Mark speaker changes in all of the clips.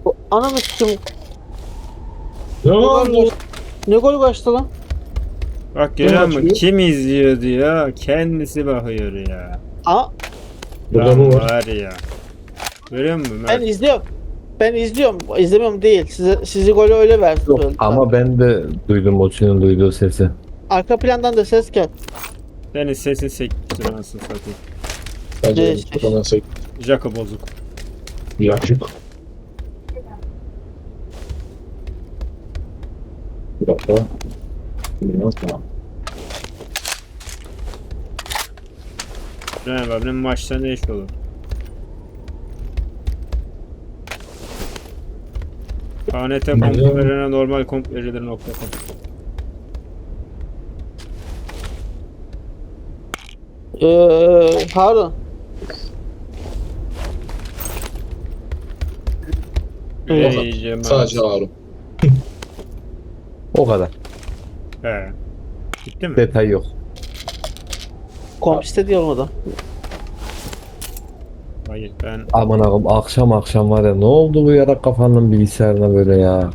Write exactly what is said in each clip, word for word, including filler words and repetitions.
Speaker 1: O- Ananı sikim.
Speaker 2: Ne
Speaker 1: Ne gol
Speaker 2: oldu?
Speaker 1: kaçtı? Ne gol kaçtı lan?
Speaker 3: Bak görüyor musun?
Speaker 2: açıyor?
Speaker 3: Kim izliyor diyor. Kendisi bakıyor ya.
Speaker 1: Aa,
Speaker 2: Burada
Speaker 3: Lan
Speaker 2: bu var.
Speaker 3: var ya. Görüyor musun
Speaker 1: ben
Speaker 3: Mert?
Speaker 1: izliyorum. Ben izliyorum. İzlemiyorum değil. Size, sizi golü öyle verdi.
Speaker 4: Yok,
Speaker 1: söylediler.
Speaker 4: ama ben de duydum o senin duyduğu sesi.
Speaker 1: Arka plandan da ses gel.
Speaker 3: Senin sesin sekmiştir anasını satayım.
Speaker 2: Bence
Speaker 1: Ne
Speaker 2: benim
Speaker 1: işte?
Speaker 2: kafadan sek.
Speaker 3: Jaka bozuk.
Speaker 2: Yakışık. Bir dakika. Bilmiyorum tamam.
Speaker 3: Cenab-ı abinin maçta ne iş olur? K N T komp verilerine normal komp verilir nokta com.
Speaker 1: Ee, Harun. Evet.
Speaker 3: Ey Cemal.
Speaker 2: Sadece Harun.
Speaker 4: O kadar.
Speaker 3: He. Gitti mi?
Speaker 4: Detay yok.
Speaker 1: Komp istedi olmadı.
Speaker 3: Hayır ben
Speaker 4: Aman ağam akşam akşam var ya ne oldu bu yarak kafanın bilgisayarına böyle ya.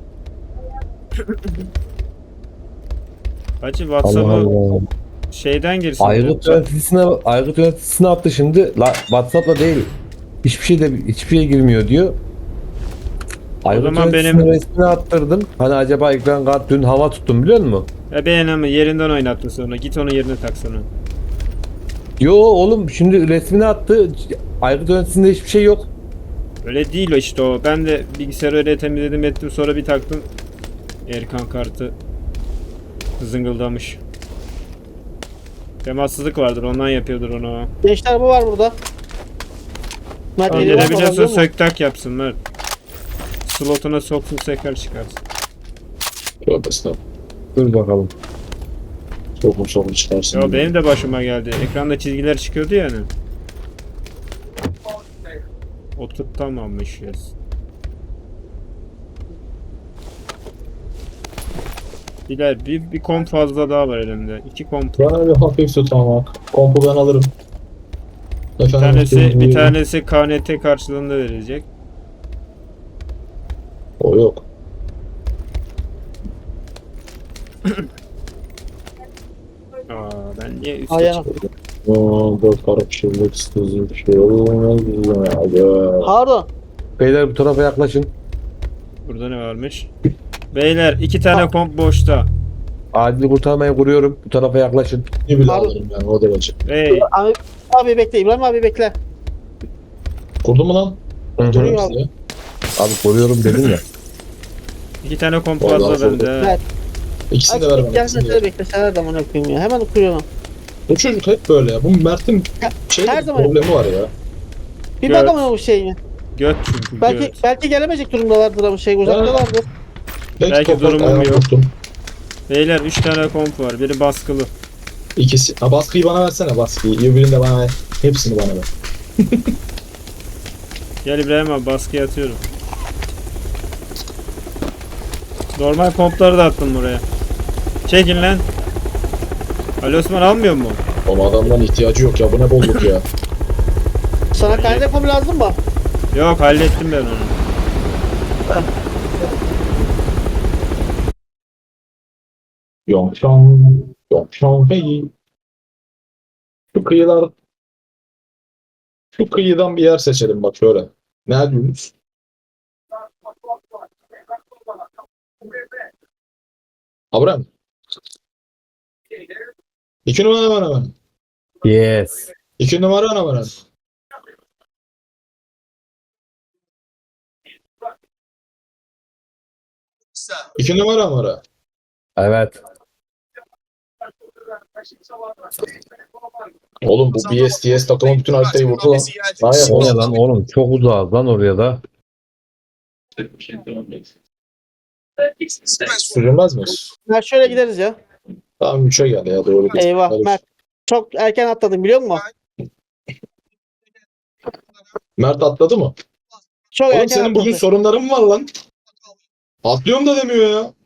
Speaker 3: Hacı
Speaker 4: Allah
Speaker 3: WhatsApp'ı
Speaker 4: Allah.
Speaker 3: şeyden girsin.
Speaker 4: Aygıt yöneticisine Aygıt yöneticisine attı şimdi. La, WhatsApp'la değil. Hiçbir şeyde hiçbir şey girmiyor diyor. Aygıt
Speaker 3: zaman
Speaker 4: yöneticisine
Speaker 3: benim-
Speaker 4: resmini attırdım. Hani acaba ekran kart dün hava tuttum biliyor musun?
Speaker 3: Ya beğenemi yerinden oynattın sonra. Git onu yerine taksana.
Speaker 4: Yo oğlum şimdi resmini attı. Aygıt yöneticisinde hiçbir şey yok.
Speaker 3: Öyle değil o işte o. Ben de bilgisayarı öyle temizledim ettim sonra bir taktım. Erkan kartı zıngıldamış. Temassızlık vardır ondan yapıyordur onu.
Speaker 1: Gençler bu var burada. Mert
Speaker 3: Tamam,
Speaker 1: geliyor,
Speaker 3: gelebiliyorsa
Speaker 1: alabiliyor mu?
Speaker 3: sök tak yapsın Mert. Slotuna soksun tekrar çıkarsın.
Speaker 2: Tövbe estağfurullah.
Speaker 4: Dur bakalım.
Speaker 2: Sokum sokum çıkarsın.
Speaker 3: Ya benim de başıma geldi. Ekranda çizgiler çıkıyordu yani. Oturtamamışız. Bilal bir, bir komp fazla daha var elimde. İki komp.
Speaker 2: Bana bir hafif tutmamak. Kompu ben alırım.
Speaker 3: Bir
Speaker 2: Efendim,
Speaker 3: tanesi bir
Speaker 2: buyurun.
Speaker 3: tanesi K N T karşılığında verilecek.
Speaker 2: O yok.
Speaker 3: Aa ben niye üstte
Speaker 1: Ayağa.
Speaker 3: çıktım?
Speaker 2: Aa, dört karışıklık sızı bir şey olmaz. Ya.
Speaker 1: Harun.
Speaker 4: Beyler bu tarafa yaklaşın.
Speaker 3: Burada ne varmış? Beyler iki tane komp boşta.
Speaker 4: Acil kurtarmayı kuruyorum. Bu tarafa yaklaşın.
Speaker 2: Ne bile
Speaker 1: Harun.
Speaker 2: alırım yani o derece.
Speaker 3: Hey
Speaker 1: Abi, abi bekle. İbrahim abi bekle.
Speaker 2: Kurdun mu lan?
Speaker 4: Hı hı.
Speaker 1: Duruyor
Speaker 2: Size.
Speaker 4: Abi koruyorum dedim ya.
Speaker 3: iki tane komp
Speaker 2: Vallahi
Speaker 3: fazla
Speaker 2: oldu.
Speaker 3: bende.
Speaker 1: Evet.
Speaker 2: İkisini de
Speaker 1: Abi
Speaker 2: ver bana.
Speaker 1: gel
Speaker 2: ikisini de
Speaker 1: mesela
Speaker 2: ver.
Speaker 1: bekle. Sen her zaman okuyayım ya. Hemen okuyorum.
Speaker 2: Bu çocuk hep böyle ya. Bu Mert'in şey
Speaker 1: Her zaman-
Speaker 2: problemi var ya.
Speaker 1: Bir
Speaker 3: Evet.
Speaker 1: bakalım bu şeyine.
Speaker 3: Göt çünkü
Speaker 1: Belki
Speaker 3: göt.
Speaker 1: belki gelemeyecek durumdalardır ama şey uzaktalardır.
Speaker 2: Pek
Speaker 3: Belki
Speaker 2: toprak
Speaker 3: durumum
Speaker 2: ayağım
Speaker 3: yok.
Speaker 2: tuttum.
Speaker 3: Beyler üç tane komp var. Biri baskılı.
Speaker 2: İkisi. Ha baskıyı bana versene baskıyı. Öbürünü de bana ver. Hepsini bana ver.
Speaker 3: Gel İbrahim abi baskıya atıyorum. Normal kompları da attım buraya. Çekin lan. Ali Osman almıyor mu?
Speaker 2: Ama adamdan ihtiyacı yok ya. Bu ne bolluk ya.
Speaker 1: Sana kaynak kom lazım mı?
Speaker 3: Yok hallettim ben onu.
Speaker 2: Yongşan. Yongşan hey. Şu kıyılar. Şu kıyıdan bir yer seçelim bak şöyle. Ne diyorsunuz? Abraham. İki numara bana bana.
Speaker 4: Yes.
Speaker 2: İki numara bana bana. İki numara numara.
Speaker 4: Evet.
Speaker 2: Oğlum bu B S T S takımı bütün haritayı vurdu lan. Daha
Speaker 4: O ne
Speaker 2: yapamaz.
Speaker 4: lan oğlum çok uzağız lan oraya da.
Speaker 2: Sürülmez mi?
Speaker 1: Mert şöyle gideriz ya.
Speaker 2: Tamam üçe geldi ya doğru.
Speaker 1: Eyvah
Speaker 2: Hadi.
Speaker 1: Mert. Çok erken atladın biliyor musun?
Speaker 2: Mert atladı mı?
Speaker 1: Çok
Speaker 2: Oğlum
Speaker 1: erken
Speaker 2: senin bugün
Speaker 1: atladın.
Speaker 2: sorunların mı var lan? Atlıyorum da demiyor ya.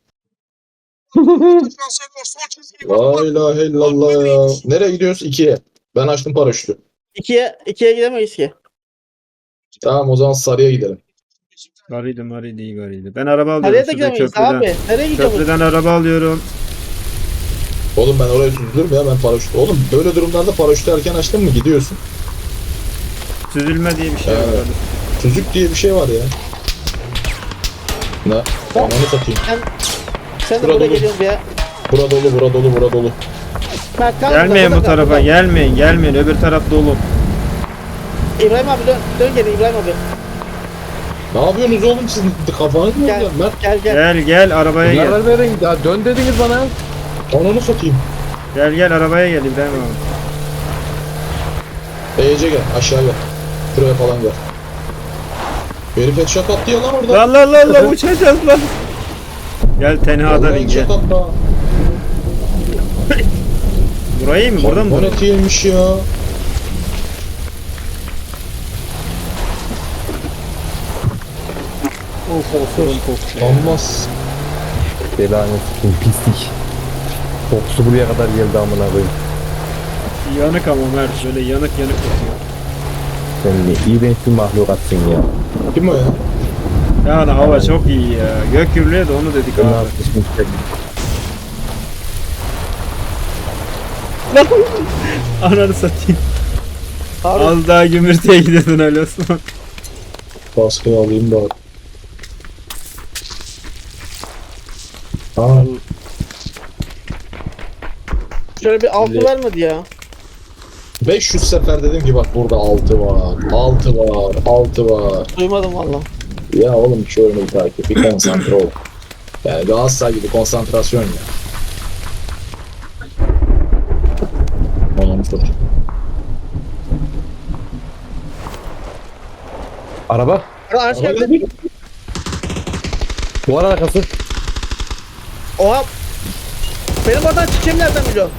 Speaker 2: La ilahe illallah ya. Nereye gidiyoruz? İkiye. Ben açtım paraşütü.
Speaker 1: İkiye, ikiye gidemeyiz ki.
Speaker 2: Tamam o zaman sarıya gidelim.
Speaker 3: Garıydı marıydı iyi garıydı. Ben araba alıyorum.
Speaker 1: Nereye de
Speaker 3: Şurada
Speaker 1: gidemeyiz
Speaker 3: köprüden.
Speaker 1: abi. Nereye gidiyoruz?
Speaker 3: Köprüden araba alıyorum.
Speaker 2: Oğlum ben oraya süzülürüm ya ben paraşüt. Oğlum böyle durumlarda paraşütü erken açtın mı gidiyorsun.
Speaker 3: Süzülme diye bir şey var.
Speaker 2: Evet. Tüzük diye bir şey var ya. Ne? Ananı satayım.
Speaker 1: Sen, sen de
Speaker 2: Burada
Speaker 1: buraya
Speaker 2: dolu.
Speaker 1: geliyorsun ya.
Speaker 2: Bura dolu, bura dolu, bura dolu.
Speaker 1: Mert, kal
Speaker 3: Gelmeyin
Speaker 1: burada,
Speaker 3: bu
Speaker 1: burada,
Speaker 3: tarafa.
Speaker 1: burada.
Speaker 3: Gelmeyin. Gelmeyin. Öbür taraf dolu.
Speaker 1: İbrahim abi dön. Dön geri İbrahim abi.
Speaker 2: Ne yapıyorsunuz oğlum siz? Kafanız mı
Speaker 1: Gel.
Speaker 2: oluyor? Mert,
Speaker 1: Gel gel.
Speaker 3: Gel gel arabaya gel.
Speaker 4: Karar verin. Ya dön dediniz bana.
Speaker 2: ananı satayım.
Speaker 3: Gel gel arabaya gel İbrahim abi.
Speaker 2: Ece gel, aşağı gel. Şuraya falan gel. Herif headshot attı ya lan orada.
Speaker 3: Lan lan lan lan uçacağız lan. Gel tenhadan
Speaker 2: Vallahi
Speaker 3: in gel.
Speaker 2: headshot attı ha.
Speaker 3: Burayı mı? Burada mı?
Speaker 2: Bu ne yemiş ya?
Speaker 3: Of of of of.
Speaker 2: Olmaz.
Speaker 4: Belanı sikim pislik. Kokusu buraya kadar geldi amına koyayım.
Speaker 3: Yanık ama Mert böyle yanık yanık kokuyor.
Speaker 4: Sen ne iğrenç bir mahlukatsın ya.
Speaker 2: Kim o ya?
Speaker 3: Yani hava çok iyi ya. Gök gürlüğe de onu dedik
Speaker 4: Ben
Speaker 3: abi.
Speaker 4: artık
Speaker 3: Ananı satayım.
Speaker 1: Harun.
Speaker 3: Az daha gümürteye gidiyordun öyle Osman.
Speaker 2: Baskıyı alayım da. Ha,
Speaker 1: Şöyle bir altı vermedi ya.
Speaker 2: beş yüz sefer dedim ki bak burada altı var, altı var, altı var.
Speaker 1: Duymadım valla.
Speaker 2: Ya oğlum şu oyunu bir takip, bir konsantre ol. Yani Galatasaray gibi konsantrasyon ya. Anam satayım.
Speaker 4: Araba.
Speaker 1: Araç geldi.
Speaker 4: Duvar arkası.
Speaker 1: Oha. Benim oradan çıkayım nereden biliyorsun?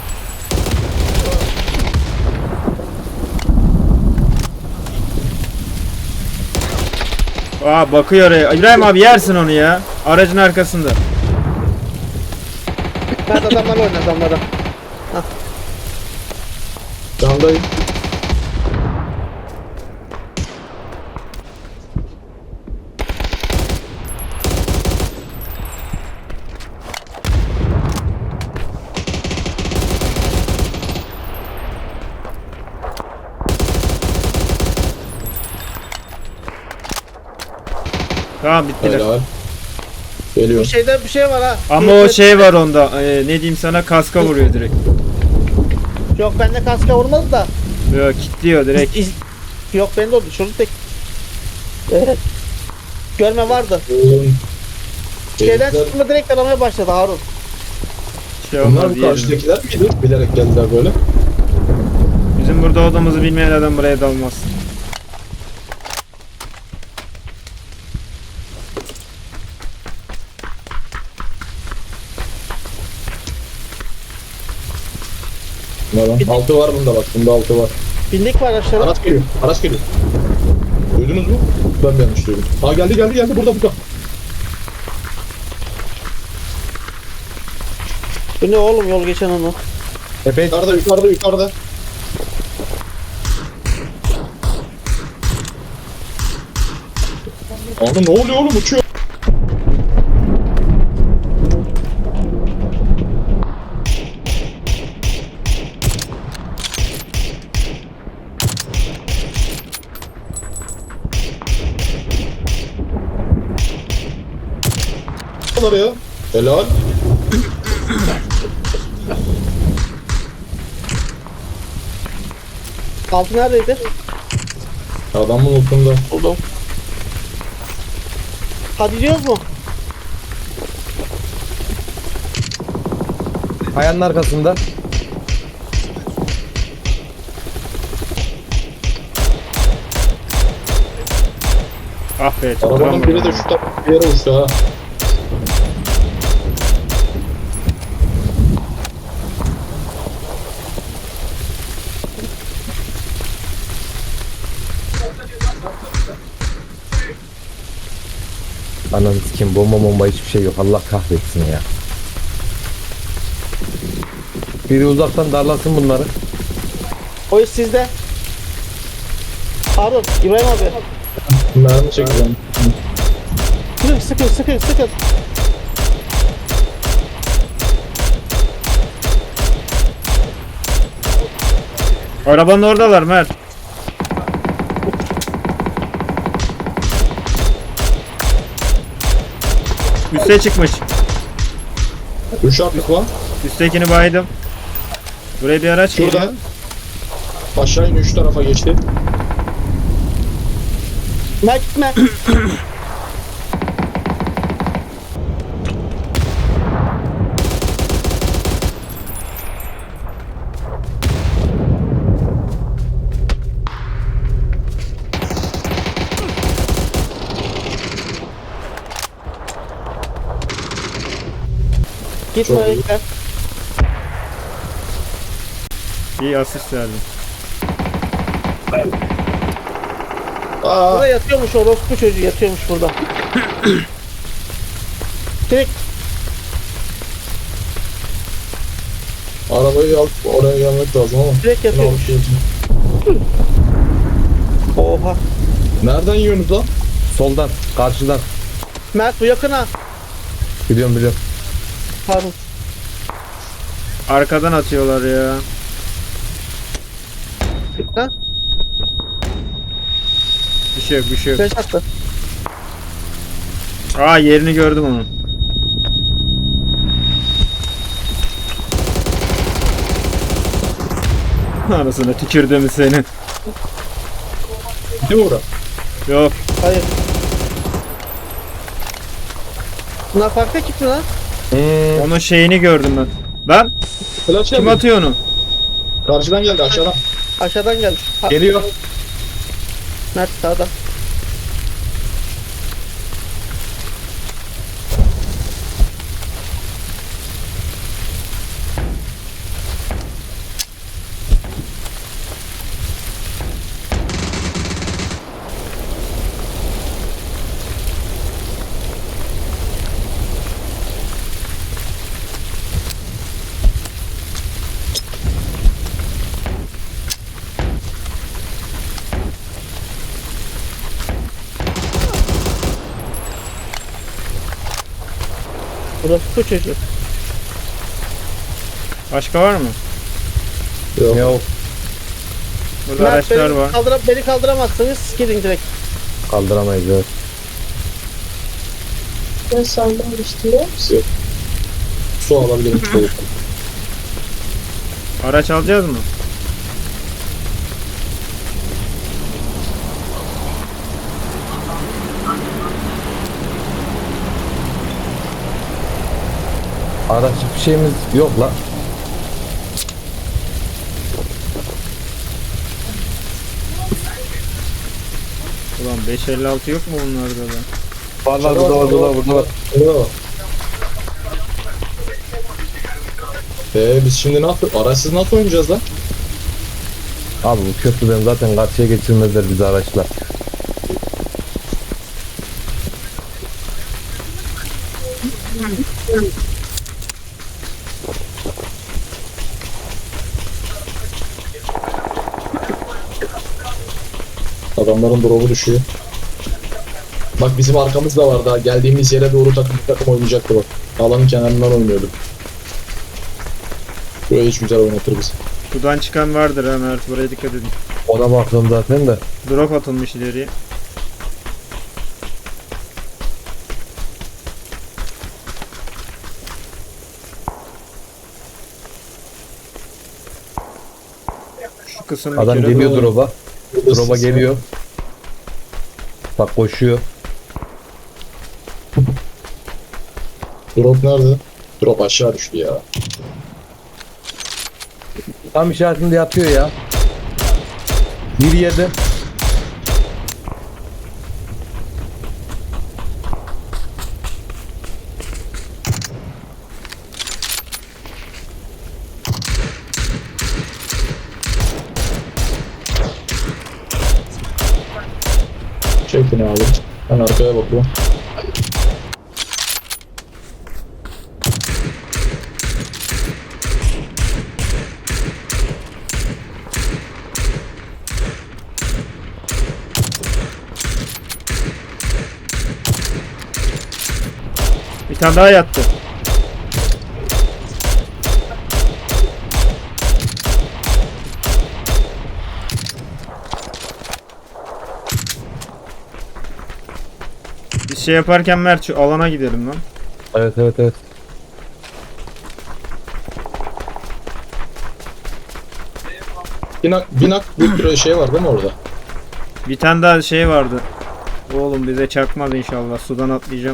Speaker 3: Aa bakıyor oraya. İbrahim abi yersin onu ya. Aracın arkasında.
Speaker 1: Mert adamlarla oyna adamlara.
Speaker 2: Candayım.
Speaker 3: Tamam bittiler.
Speaker 2: Helal.
Speaker 1: Bir
Speaker 2: Geliyor.
Speaker 1: şeyde bir şey var ha.
Speaker 3: Ama o şey var onda. Ee, ne diyeyim sana kaska vuruyor direkt.
Speaker 1: Yok bende kaska vurmadı da.
Speaker 3: Yok kilitliyor direkt.
Speaker 1: İz... Yok bende oldu. Şurada tek. Evet. Görme vardı. Şeyden
Speaker 2: Herifler-
Speaker 1: çıktığında direkt aramaya başladı Harun.
Speaker 3: Şey
Speaker 2: Bunlar
Speaker 3: olmaz
Speaker 2: bu
Speaker 3: diyelim.
Speaker 2: karşıdakiler miydi? Bilerek geldiler böyle.
Speaker 3: Bizim burada olduğumuzu bilmeyen adam buraya dalmaz.
Speaker 2: Ne lan? Altı var bunda bak. Bunda altı var.
Speaker 1: Bindik var aşağıda.
Speaker 2: Araç geliyor. Araç geliyor. Duydunuz mu? Ben mi yanlış duydum? Aa geldi geldi geldi. Burada burada.
Speaker 1: Bu ne oğlum yol geçen onu.
Speaker 4: Epey
Speaker 2: Yukarıda yukarıda yukarıda. Abi ne oluyor oğlum uçuyor. ya. Helal.
Speaker 1: Altı neredeydi?
Speaker 2: Adamın ultunda.
Speaker 1: Buldum. Hadi diyoruz mu?
Speaker 4: kayanın arkasında.
Speaker 3: Ah be
Speaker 2: Arabanın biri de
Speaker 3: tutturamadım.
Speaker 2: şu tarafa bir yere uçtu ha.
Speaker 4: Ananı sikeyim bomba bomba hiçbir şey yok. Allah kahretsin ya. Biri uzaktan darlasın bunları.
Speaker 1: O iş sizde. Harun, İbrahim abi.
Speaker 2: Mermi çekeceğim.
Speaker 1: Sıkın sıkın sıkın sıkın.
Speaker 3: Arabanın oradalar Mert. Üste çıkmış.
Speaker 2: Üç atlık var.
Speaker 3: Üsttekini baydım. Buraya bir araç
Speaker 2: Şurada.
Speaker 3: geliyor.
Speaker 2: Aşağı in üç tarafa geçti.
Speaker 1: Mert gitme. Gitme
Speaker 2: Çok iyi.
Speaker 1: bekle.
Speaker 3: İyi asist verdim.
Speaker 2: Aa,
Speaker 1: Burada yatıyormuş orospu çocuğu yatıyormuş burada. Direkt
Speaker 2: arabayı alıp oraya gelmek lazım ama.
Speaker 1: direkt
Speaker 2: Ne
Speaker 1: yatıyormuş.
Speaker 2: alıp geleceğim.
Speaker 1: Oha.
Speaker 2: Nereden yiyorsunuz lan?
Speaker 4: Soldan, karşıdan.
Speaker 1: Mert bu yakına.
Speaker 4: Biliyorum biliyorum.
Speaker 1: Pardon.
Speaker 3: Arkadan atıyorlar ya.
Speaker 1: Ha?
Speaker 3: Bir şey yok bir şey yok.
Speaker 1: Beş attı.
Speaker 3: Aa yerini gördüm onun. Anasını tükürdüm seni.
Speaker 2: Değil mi bura?
Speaker 3: Yok.
Speaker 1: Hayır. Bunlar farklı ekip mi lan?
Speaker 4: Hmm.
Speaker 3: Onun şeyini gördüm ben. Lan
Speaker 2: Flash
Speaker 3: kim
Speaker 2: geldi.
Speaker 3: atıyor onu?
Speaker 2: Karşıdan geldi aşağıdan.
Speaker 1: Aşağıdan geldi. Ha,
Speaker 4: Geliyor.
Speaker 1: Mert sağda. Orospu çocuğu.
Speaker 3: Başka var mı?
Speaker 2: Yok.
Speaker 4: Yok.
Speaker 3: Burada
Speaker 1: Mert
Speaker 3: araçlar
Speaker 1: beni,
Speaker 3: var.
Speaker 1: kaldıra, beni kaldıramazsınız. Gidin direkt.
Speaker 4: Kaldıramayız evet.
Speaker 5: Ben sandım işte.
Speaker 2: Yok. Su alabilirim. Soğuk.
Speaker 3: Araç alacağız mı?
Speaker 4: Araç bir şeyimiz yok la.
Speaker 3: Ulan beş elli altı yok mu bunlarda da?
Speaker 4: Var var burada var burada var burada var.
Speaker 2: Burada var. Eee biz şimdi ne yapıyoruz? Araçsız nasıl oynayacağız lan?
Speaker 4: Abi bu köprüden zaten karşıya geçirmezler bizi araçlar.
Speaker 2: Adamların drop'u düşüyor. Bak bizim arkamız da var daha. Geldiğimiz yere doğru takım takım oynayacaktı bak. Alanın kenarından oynuyorduk. Buraya hiç güzel oynatır bizi.
Speaker 3: Sudan çıkan vardır ha Mert. Buraya dikkat edin.
Speaker 4: Ona baktım zaten de.
Speaker 3: Drop atılmış ileriye. Şu kısım bir
Speaker 4: Adam
Speaker 3: kere
Speaker 4: geliyor
Speaker 3: dolu.
Speaker 4: drop'a. Drop'a geliyor. Bak koşuyor.
Speaker 2: Drop nerede? Drop aşağı düştü ya.
Speaker 4: Tam işaretinde yatıyor ya. Bir yerde.
Speaker 2: Çekin abi. Ben arkaya bakıyorum.
Speaker 3: tane daha yattı. Biz şey yaparken Mert şu alana gidelim lan.
Speaker 4: Evet evet evet.
Speaker 2: Binak, binak bir şey var değil mi orada?
Speaker 3: Bir tane daha şey vardı. Oğlum bize çakmaz inşallah. Sudan atlayacağım.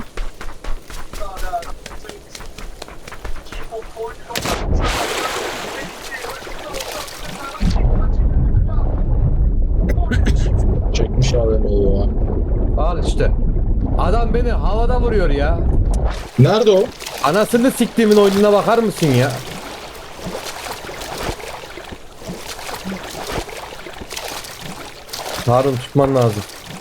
Speaker 2: Çekmiş A V M'yi ya.
Speaker 4: Al işte. Adam beni havada vuruyor ya.
Speaker 2: Nerede o?
Speaker 4: Anasını siktiğimin oyununa bakar mısın ya? Harun tutman lazım.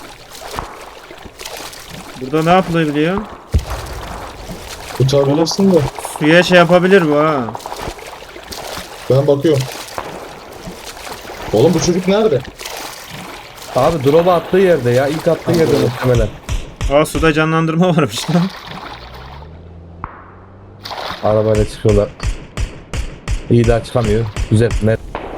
Speaker 3: Burada ne yapılabiliyor?
Speaker 2: Tutabilirsin de.
Speaker 3: Suya şey yapabilir bu ha.
Speaker 2: Ben bakıyorum. Oğlum bu çocuk nerede?
Speaker 4: Abi drop'a attığı yerde ya. İlk attığı yerde muhtemelen.
Speaker 3: Aa suda canlandırma varmış lan.
Speaker 4: Arabayla çıkıyorlar. İyi daha çıkamıyor. Güzel. Net.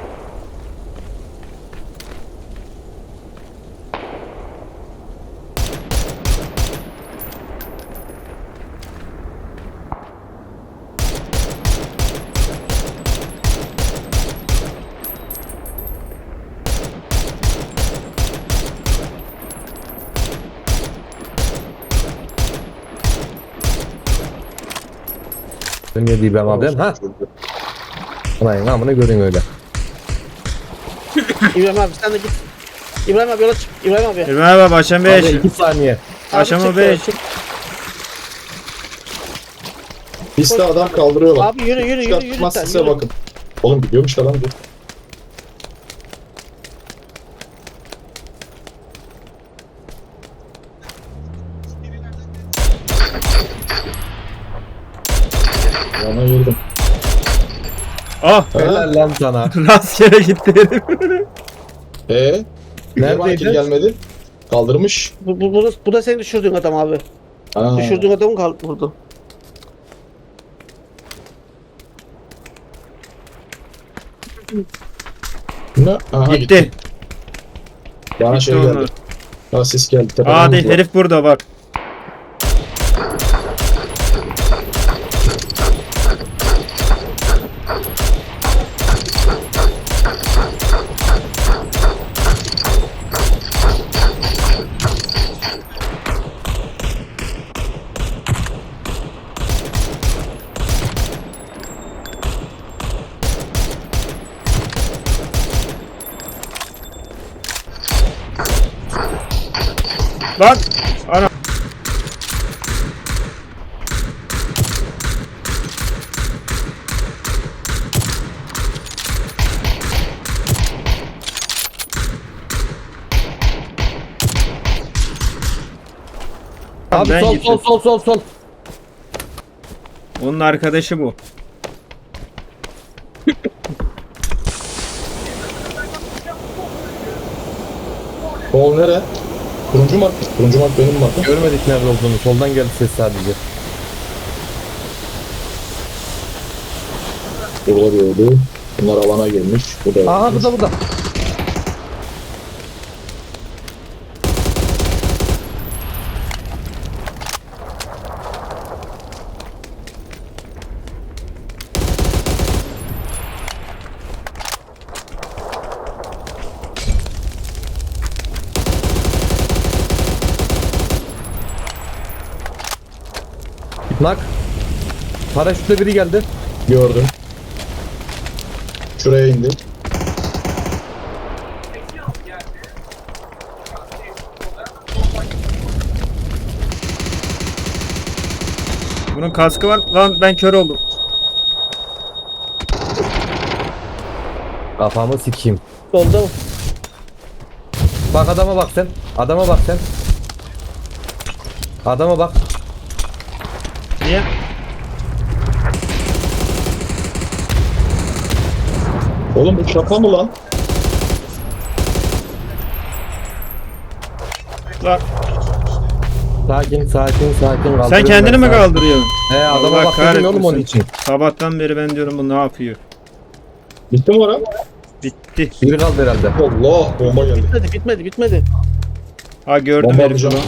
Speaker 4: Ne diyeyim ben abi? Ha? Ulan amına görün öyle.
Speaker 1: İbrahim abi sen de git. İbrahim abi yola çık. İbrahim abi.
Speaker 3: İbrahim abi akşam
Speaker 4: Abi
Speaker 3: beş.
Speaker 4: iki saniye.
Speaker 1: Abi
Speaker 3: Aşama
Speaker 1: çık,
Speaker 3: beş.
Speaker 1: çık.
Speaker 2: Piste adam kaldırıyorlar.
Speaker 1: Abi yürü yürü yürü yürü
Speaker 2: Çıkartmaz
Speaker 1: sen.
Speaker 2: size
Speaker 1: Yürü.
Speaker 2: bakın. Oğlum biliyormuş da lan bu. Yana girdim.
Speaker 3: Ah
Speaker 4: Helal lan sana.
Speaker 3: rastgele gitti herif.
Speaker 2: Eee? Niye bana kill
Speaker 4: Neredeydi?
Speaker 2: gelmedi? Kaldırmış.
Speaker 1: Bu, bu, bu, da, bu da senin düşürdüğün adam abi.
Speaker 2: Ha.
Speaker 1: Düşürdüğün adamı kaldı vurdu.
Speaker 2: Ne? Aha,
Speaker 3: Gitti.
Speaker 2: Bana
Speaker 3: Gitti
Speaker 2: şey
Speaker 3: onlar.
Speaker 2: geldi. Ha ses geldi. Tepeden
Speaker 3: Aa değil
Speaker 2: vurdular.
Speaker 3: herif burada bak. Lan ana.
Speaker 4: Abi
Speaker 3: Ben
Speaker 4: sol
Speaker 3: gittim.
Speaker 4: sol sol sol sol.
Speaker 3: Onun arkadaşı bu.
Speaker 2: Sol nere? Turuncu mark. Turuncu mark benim markım.
Speaker 4: Görmedik nerede olduğunu. Soldan geldi ses sadece.
Speaker 2: Burada bir öldü. Bunlar alana girmiş. Bu da
Speaker 4: Aha
Speaker 2: ölmüş.
Speaker 4: burada burada. Nak. Paraşütle biri geldi.
Speaker 2: Gördüm. Şuraya indi.
Speaker 3: Bunun kaskı var. Lan ben kör oldum.
Speaker 4: Kafamı sikeyim.
Speaker 1: Solda mı?
Speaker 4: Bak adama bak sen. Adama bak sen. Adama bak.
Speaker 3: Niye?
Speaker 2: Oğlum bu şaka mı lan?
Speaker 3: Lan.
Speaker 4: Sakin sakin sakin
Speaker 3: Sen
Speaker 4: kaldırıyorum
Speaker 3: kendini
Speaker 4: ben
Speaker 3: mi
Speaker 4: sakin.
Speaker 3: kaldırıyorsun?
Speaker 4: He adama
Speaker 3: Allah
Speaker 4: bak dedim oğlum onun
Speaker 3: kahretmesin.
Speaker 4: için.
Speaker 3: Sabahtan beri ben diyorum bu ne yapıyor?
Speaker 2: Bitti mi oran?
Speaker 3: Bitti.
Speaker 4: Biri kaldı herhalde.
Speaker 2: Allah bomba geldi.
Speaker 1: Bitmedi bitmedi bitmedi.
Speaker 3: Ha gördüm
Speaker 2: Bomba
Speaker 3: herifi
Speaker 2: atacağım.
Speaker 3: lan.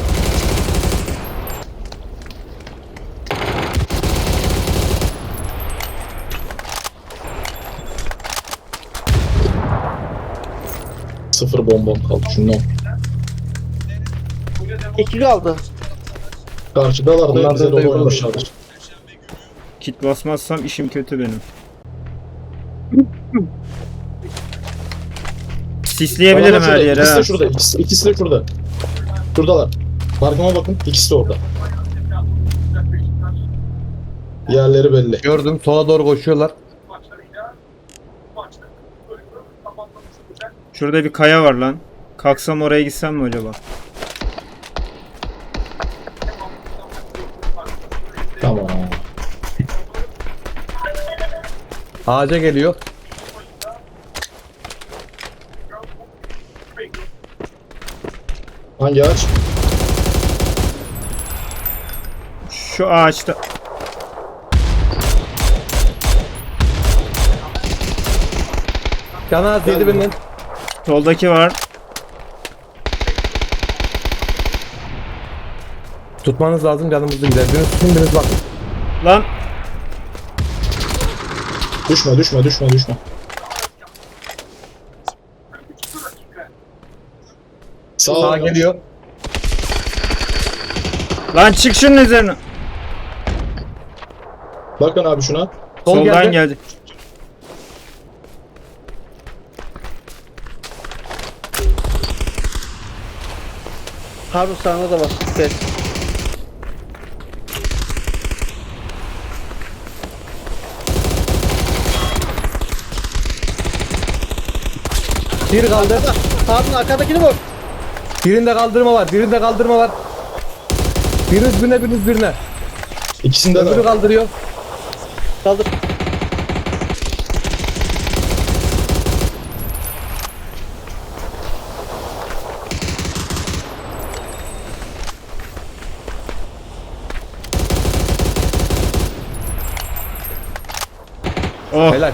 Speaker 2: Sıfır bombam kaldı şundan.
Speaker 1: İki kaldı.
Speaker 2: Karşıdalar da
Speaker 4: Onlar
Speaker 2: bize
Speaker 4: da
Speaker 2: doğru
Speaker 4: yok olur.
Speaker 2: oynamışlardır.
Speaker 3: Kit basmazsam işim kötü benim. Sisleyebilirim
Speaker 2: Adamlar
Speaker 3: her
Speaker 2: şurada,
Speaker 3: yere
Speaker 2: İkisi
Speaker 3: ha.
Speaker 2: de şurada. İkisi, ikisi de şurada. Şuradalar. Markama bakın. İkisi de orada. Yerleri belli.
Speaker 4: Gördüm sola doğru koşuyorlar.
Speaker 3: Şurada bir kaya var lan. Kalksam oraya gitsem mi acaba?
Speaker 2: Tamam.
Speaker 4: Ağaca geliyor.
Speaker 2: Hangi ağaç?
Speaker 3: Şu ağaçta.
Speaker 4: Canı az yedi birinin.
Speaker 3: Soldaki var.
Speaker 4: Tutmanız lazım canımızı gider. Biriniz tutun biriniz bakın.
Speaker 3: Lan
Speaker 2: Düşme düşme düşme düşme. Sağ
Speaker 4: Sağa
Speaker 2: ol.
Speaker 4: geliyor.
Speaker 3: lan çık şunun üzerine.
Speaker 2: Bakın abi şuna.
Speaker 4: Sol
Speaker 3: Soldan
Speaker 4: geldi.
Speaker 3: geldi.
Speaker 1: Harbi sağına da var. Gel.
Speaker 4: Bir kaldı.
Speaker 1: Harun arkadakini vur.
Speaker 4: Birinde kaldırma var. Birinde kaldırma var. Biriniz birine biriniz birine.
Speaker 2: İkisinde de
Speaker 4: Öbürü
Speaker 2: var.
Speaker 4: kaldırıyor.
Speaker 1: Kaldır.
Speaker 3: Oh.
Speaker 4: Helal.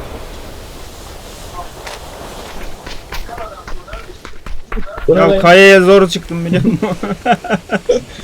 Speaker 2: Bu ne
Speaker 3: Ya
Speaker 2: lan?
Speaker 3: kayaya zor çıktım biliyor musun?